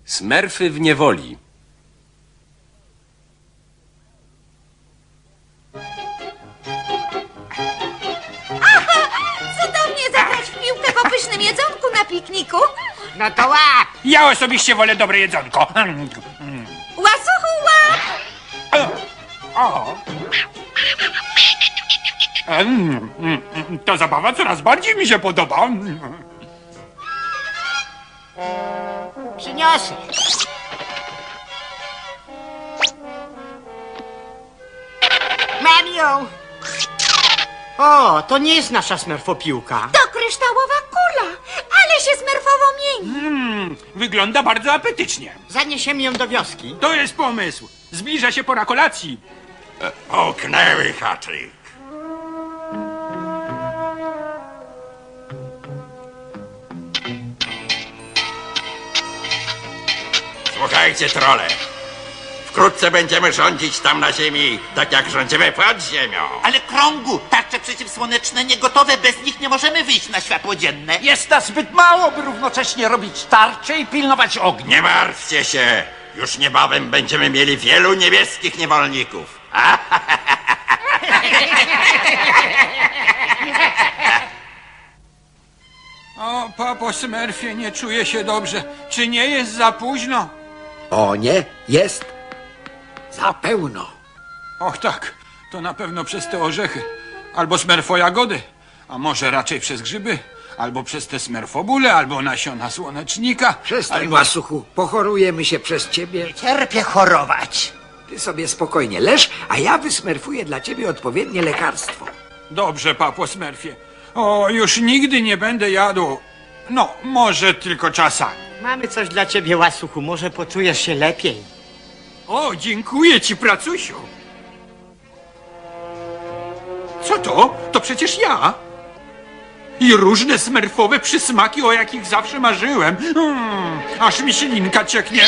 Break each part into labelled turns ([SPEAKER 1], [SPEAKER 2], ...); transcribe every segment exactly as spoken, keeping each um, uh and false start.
[SPEAKER 1] Smerfy w niewoli.
[SPEAKER 2] Cudownie zagrać w piłkę po pysznym jedzonku na pikniku.
[SPEAKER 3] No to łap!
[SPEAKER 4] Ja osobiście wolę dobre jedzonko.
[SPEAKER 2] Łasuchu, łap!
[SPEAKER 4] O. Mm, mm, mm, Ta zabawa coraz bardziej mi się podoba.
[SPEAKER 3] Przyniosę. Mario! O, to nie jest nasza smerfopiłka.
[SPEAKER 2] To kryształowa kula, ale się smerfowo mieni.
[SPEAKER 4] Mm, wygląda bardzo apetycznie.
[SPEAKER 3] Zaniesiemy ją do wioski.
[SPEAKER 4] To jest pomysł. Zbliża się pora kolacji.
[SPEAKER 5] Połknęły haczyk. Słuchajcie, trole. Wkrótce będziemy rządzić tam na ziemi, tak jak rządzimy pod ziemią.
[SPEAKER 6] Ale krągu, tarcze przeciwsłoneczne niegotowe, bez nich nie możemy wyjść na światło dzienne.
[SPEAKER 7] Jest nas zbyt mało, by równocześnie robić tarcze i pilnować ognia.
[SPEAKER 5] Nie martwcie się. Już niebawem będziemy mieli wielu niebieskich niewolników.
[SPEAKER 4] O, papo Smurfie, nie czuję się dobrze. Czy nie jest za późno?
[SPEAKER 8] O nie, jest za pełno.
[SPEAKER 4] Och tak, to na pewno przez te orzechy. Albo smerfojagody, a może raczej przez grzyby. Albo przez te smerfobule, albo nasiona słonecznika.
[SPEAKER 8] Przestań,
[SPEAKER 4] albo...
[SPEAKER 8] Łasuchu, pochorujemy się przez ciebie.
[SPEAKER 6] Cierpię chorować.
[SPEAKER 8] Ty sobie spokojnie leż, a ja wysmerfuję dla ciebie odpowiednie lekarstwo.
[SPEAKER 4] Dobrze, papo Smurfie. O, już nigdy nie będę jadł. No, może tylko czasami.
[SPEAKER 3] Mamy coś dla ciebie, Łasuchu. Może poczujesz się lepiej.
[SPEAKER 4] O, dziękuję ci, pracusiu. Co to? To przecież ja. I różne smerfowe przysmaki, o jakich zawsze marzyłem. Hmm, aż mi ślinka cieknie.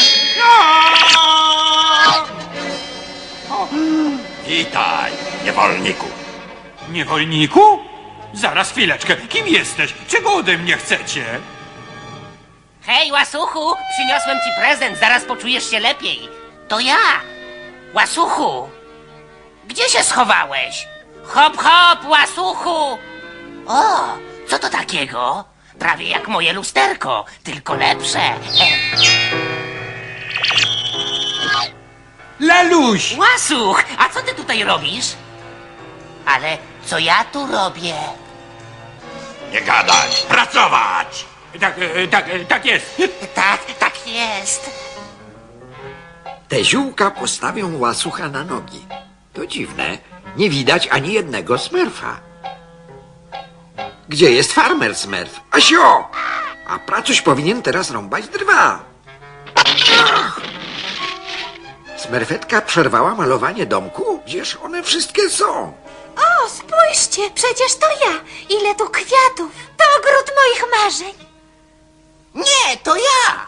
[SPEAKER 4] Aaaa!
[SPEAKER 5] Witaj, niewolniku.
[SPEAKER 4] Niewolniku? Zaraz, chwileczkę. Kim jesteś? Czego ode mnie chcecie?
[SPEAKER 9] Hej, Łasuchu, przyniosłem ci prezent, zaraz poczujesz się lepiej. To ja, Łasuchu. Gdzie się schowałeś? Hop, hop, Łasuchu. O, co to takiego? Prawie jak moje lusterko, tylko lepsze. E.
[SPEAKER 4] Laluś!
[SPEAKER 9] Łasuch, a co ty tutaj robisz? Ale co ja tu robię?
[SPEAKER 5] Nie gadać, pracować.
[SPEAKER 4] Tak, e, tak, e, tak jest.
[SPEAKER 9] Tak, tak jest.
[SPEAKER 8] Te ziółka postawią Łasucha na nogi. To dziwne, nie widać ani jednego smerfa. Gdzie jest farmer Smurf? Asio! A pracuś powinien teraz rąbać drwa. Ach! Smerfetka przerwała malowanie domku? Gdzież one wszystkie są?
[SPEAKER 2] O, spójrzcie, przecież to ja. Ile tu kwiatów. To ogród moich marzeń.
[SPEAKER 6] Nie, to ja.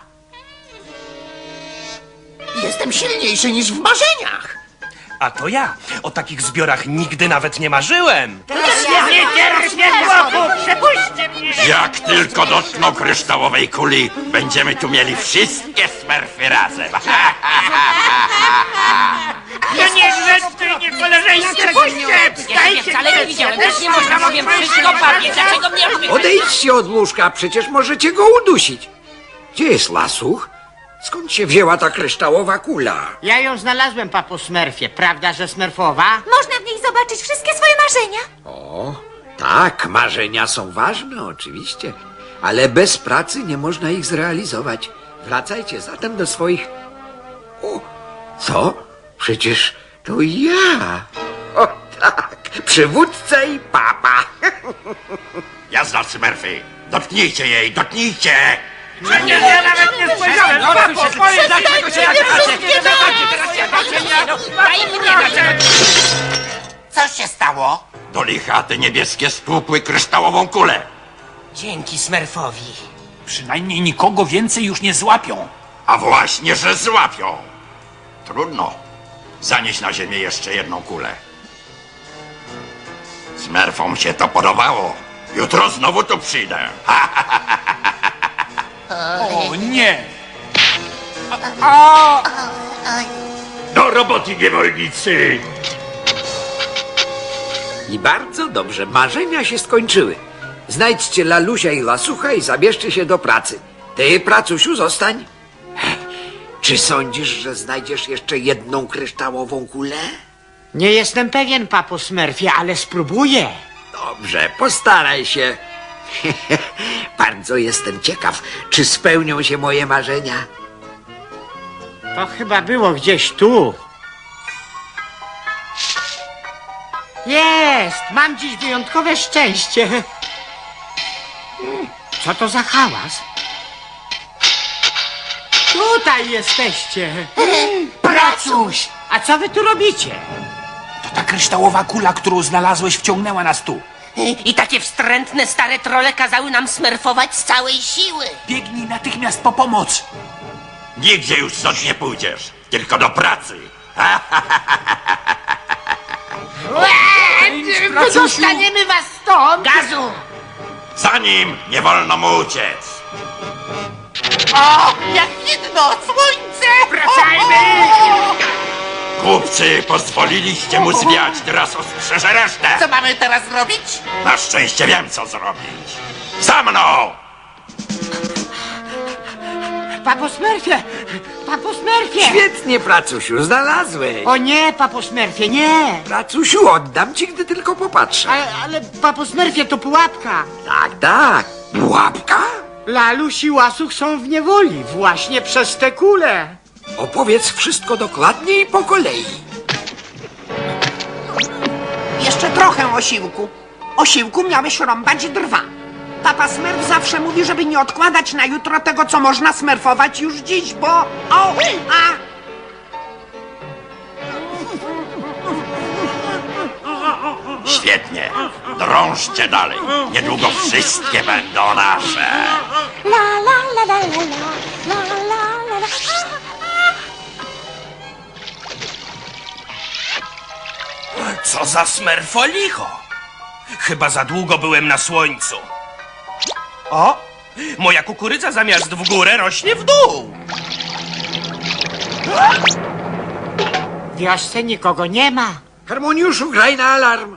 [SPEAKER 6] Jestem silniejszy niż w marzeniach.
[SPEAKER 7] A to ja. O takich zbiorach nigdy nawet nie marzyłem.
[SPEAKER 3] Nie cierpię chłopu! Przepuśćcie mnie!
[SPEAKER 5] Jak tylko dotkną kryształowej kuli, będziemy tu mieli wszystkie smerfy razem.
[SPEAKER 3] No niegrzeczny, niekoleżeńskie! Puśćcie!
[SPEAKER 9] Ja ciebie wcale nie widziałem, też nie można powiem wszystko bawię. Dlaczego mnie robisz?
[SPEAKER 8] Odejdźcie od łóżka, przecież możecie go udusić. Gdzie jest Łasuch? Skąd się wzięła ta kryształowa kula?
[SPEAKER 3] Ja ją znalazłem, papo Smurfie. Prawda, że smerfowa?
[SPEAKER 2] Można w niej zobaczyć wszystkie swoje marzenia.
[SPEAKER 8] O, tak, marzenia są ważne, oczywiście, ale bez pracy nie można ich zrealizować. Wracajcie zatem do swoich... O, co? Przecież to ja. O tak, przywódca i papa.
[SPEAKER 5] Jazda, smerfy. Dotknijcie jej, dotknijcie.
[SPEAKER 3] Nie, ja nawet nie spojrzałem! Papo, powiedz, dlaczego się
[SPEAKER 9] Daj mnie, dlaczego...
[SPEAKER 6] Co się stało?
[SPEAKER 5] Do licha te niebieskie stłupły kryształową kulę.
[SPEAKER 9] Dzięki Smurfowi.
[SPEAKER 4] Przynajmniej nikogo więcej już nie złapią.
[SPEAKER 5] A właśnie, że złapią. Trudno. Zanieść na ziemię jeszcze jedną kulę. Smerfom się to podobało. Jutro znowu tu przyjdę.
[SPEAKER 4] O nie!
[SPEAKER 5] Do roboty, niewolnicy!
[SPEAKER 8] I bardzo dobrze, marzenia się skończyły. Znajdźcie Lalusia i Lasucha i zabierzcie się do pracy. Ty, pracusiu, zostań. Czy sądzisz, że znajdziesz jeszcze jedną kryształową kulę?
[SPEAKER 3] Nie jestem pewien, papo Smurfie, ale spróbuję.
[SPEAKER 8] Dobrze, postaraj się. Bardzo jestem ciekaw, czy spełnią się moje marzenia.
[SPEAKER 3] To chyba było gdzieś tu. Jest! Mam dziś wyjątkowe szczęście. Co to za hałas? Tutaj jesteście.
[SPEAKER 7] Pracuś!
[SPEAKER 3] A co wy tu robicie?
[SPEAKER 7] To ta kryształowa kula, którą znalazłeś, wciągnęła nas tu.
[SPEAKER 9] I takie wstrętne stare trole kazały nam smerfować z całej siły.
[SPEAKER 7] Biegnij natychmiast po pomoc.
[SPEAKER 5] Nigdzie już stąd nie pójdziesz, tylko do pracy.
[SPEAKER 3] Dostaniemy was stąd!
[SPEAKER 9] Gazu!
[SPEAKER 5] Za nim nie wolno mu uciec.
[SPEAKER 6] O, jak widno, słońce!
[SPEAKER 9] Wracajmy!
[SPEAKER 5] Głupcy, pozwoliliście mu zwiać, teraz ostrzeżę resztę.
[SPEAKER 6] Co mamy teraz robić?
[SPEAKER 5] Na szczęście wiem, co zrobić. Za mną!
[SPEAKER 3] Papo Smurfie! Papo Smurfie!
[SPEAKER 8] Świetnie, pracusiu, znalazłeś.
[SPEAKER 3] O nie, papo Smurfie, nie!
[SPEAKER 8] Pracusiu, oddam ci, gdy tylko popatrzę.
[SPEAKER 3] Ale, ale papo Smurfie, to pułapka.
[SPEAKER 8] Tak, tak. Pułapka?
[SPEAKER 3] Laluś i Łasuch są w niewoli właśnie przez te kule.
[SPEAKER 8] Opowiedz wszystko dokładnie i po kolei.
[SPEAKER 1] Jeszcze trochę osiłku. Osiłku miałeś rąbać drwa. Papa Smurf zawsze mówi, żeby nie odkładać na jutro tego, co można smerfować już dziś, bo... O! A!
[SPEAKER 5] Świetnie. Drążcie dalej. Niedługo wszystkie będą nasze.
[SPEAKER 2] La la la la la la la la la la.
[SPEAKER 7] Co za smerfolicho! Chyba za długo byłem na słońcu. O! Moja kukurydza zamiast w górę rośnie w dół.
[SPEAKER 3] W wiosce nikogo nie ma.
[SPEAKER 8] Harmoniuszu, graj na alarm.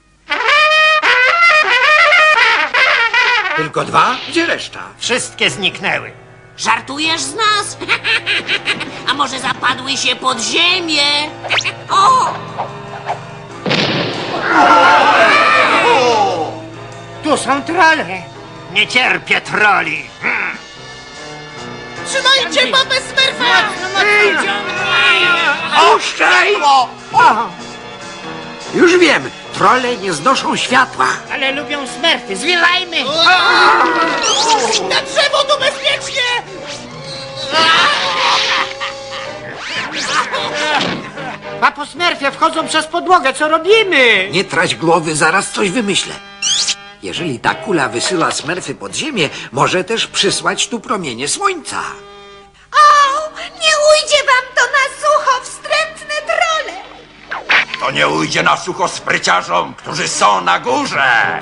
[SPEAKER 8] Tylko dwa? Gdzie reszta?
[SPEAKER 9] Wszystkie zniknęły. Żartujesz z nas? A może zapadły się pod ziemię? O!
[SPEAKER 3] Tu są trole.
[SPEAKER 9] Nie cierpię troli.
[SPEAKER 6] Trzymajcie papę Smurfa!
[SPEAKER 8] Puszczaj! Już wiem, trole nie znoszą światła.
[SPEAKER 3] Ale lubią Smurfy, zwiewajmy!
[SPEAKER 6] Na drzewo tu bezpiecznie!
[SPEAKER 3] Papo Smurfie, wchodzą przez podłogę, co robimy?
[SPEAKER 8] Nie trać głowy, zaraz coś wymyślę. Jeżeli ta kula wysyła smerfy pod ziemię, może też przysłać tu promienie słońca.
[SPEAKER 2] O, nie ujdzie wam to na sucho, wstrętne trole!
[SPEAKER 5] To nie ujdzie na sucho spryciarzom, którzy są na górze.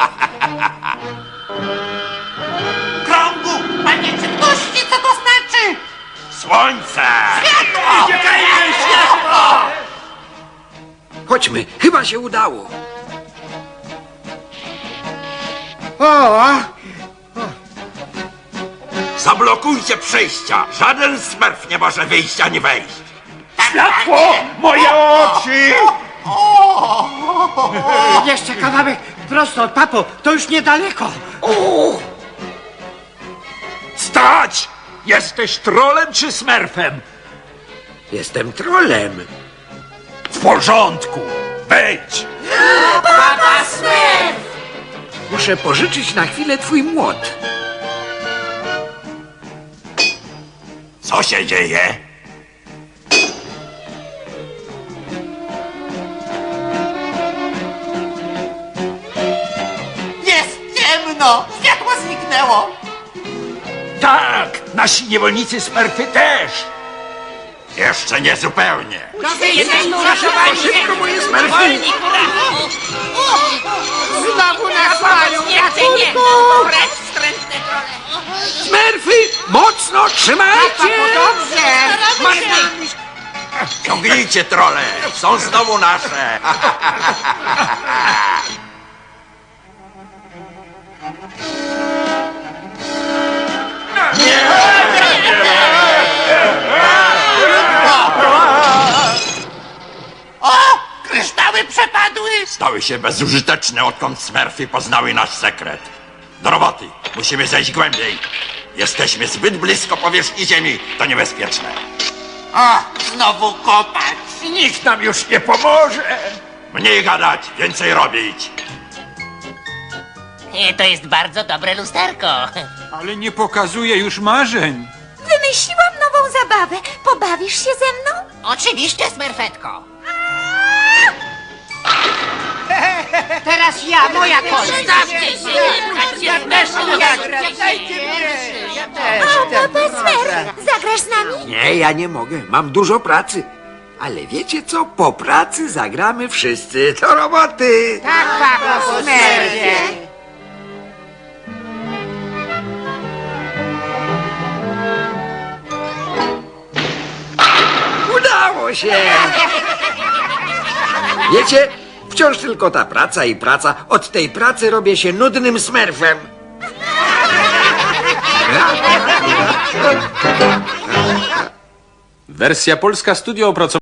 [SPEAKER 6] Krągu! Panie ciemności, co to znaczy?
[SPEAKER 5] Słońce!
[SPEAKER 8] Chodźmy, chyba się udało.
[SPEAKER 3] O,
[SPEAKER 5] Zablokujcie przejścia. Żaden smerf nie może wyjść ani wejść.
[SPEAKER 6] Światło!
[SPEAKER 5] Moje oczy!
[SPEAKER 3] jeszcze kawałek prosto od papo, to już niedaleko.
[SPEAKER 5] Stać! Jesteś trolem czy smerfem?
[SPEAKER 8] Jestem trolem.
[SPEAKER 5] W porządku. Wejdź!
[SPEAKER 8] Muszę pożyczyć na chwilę twój młot.
[SPEAKER 5] Co się dzieje?
[SPEAKER 6] Jest ciemno! Światło zniknęło!
[SPEAKER 5] Tak! Nasi niewolnicy smerfy też! Jeszcze nie zupełnie.
[SPEAKER 8] Szybko moje smerfy!
[SPEAKER 3] Znowu nas mają.
[SPEAKER 9] Nie, nie! Precz, wstrętne trole!
[SPEAKER 8] Smerfy! Mocno trzymajcie!
[SPEAKER 3] Papo, dobrze.
[SPEAKER 5] Ciągnijcie, trole! Są znowu nasze!
[SPEAKER 6] O! Kryształy przepadły!
[SPEAKER 5] Stały się bezużyteczne, odkąd Smurfy poznały nasz sekret. Do roboty! Musimy zejść głębiej. Jesteśmy zbyt blisko powierzchni Ziemi. To niebezpieczne.
[SPEAKER 6] O! Znowu kopać!
[SPEAKER 5] Nikt nam już nie pomoże! Mniej gadać, więcej robić.
[SPEAKER 9] E, To jest bardzo dobre lusterko.
[SPEAKER 4] Ale nie pokazuje już marzeń.
[SPEAKER 2] Wymyśliłam nową zabawę. Pobawisz się ze mną?
[SPEAKER 9] Oczywiście, smerfetko.
[SPEAKER 1] Teraz ja, moja kolej.
[SPEAKER 9] Stawcie się, pchajcie w nasze
[SPEAKER 2] O, Papa Smurf, zagrasz z nami?
[SPEAKER 8] Nie, ja nie mogę. Mam dużo pracy. Ale wiecie co? Po pracy zagramy wszyscy. Do roboty!
[SPEAKER 1] Tak, papo Smurfie.
[SPEAKER 8] Udało się! Wiecie, wciąż tylko ta praca i praca. Od tej pracy robię się nudnym smerfem.
[SPEAKER 10] Wersja polska studio opracowana.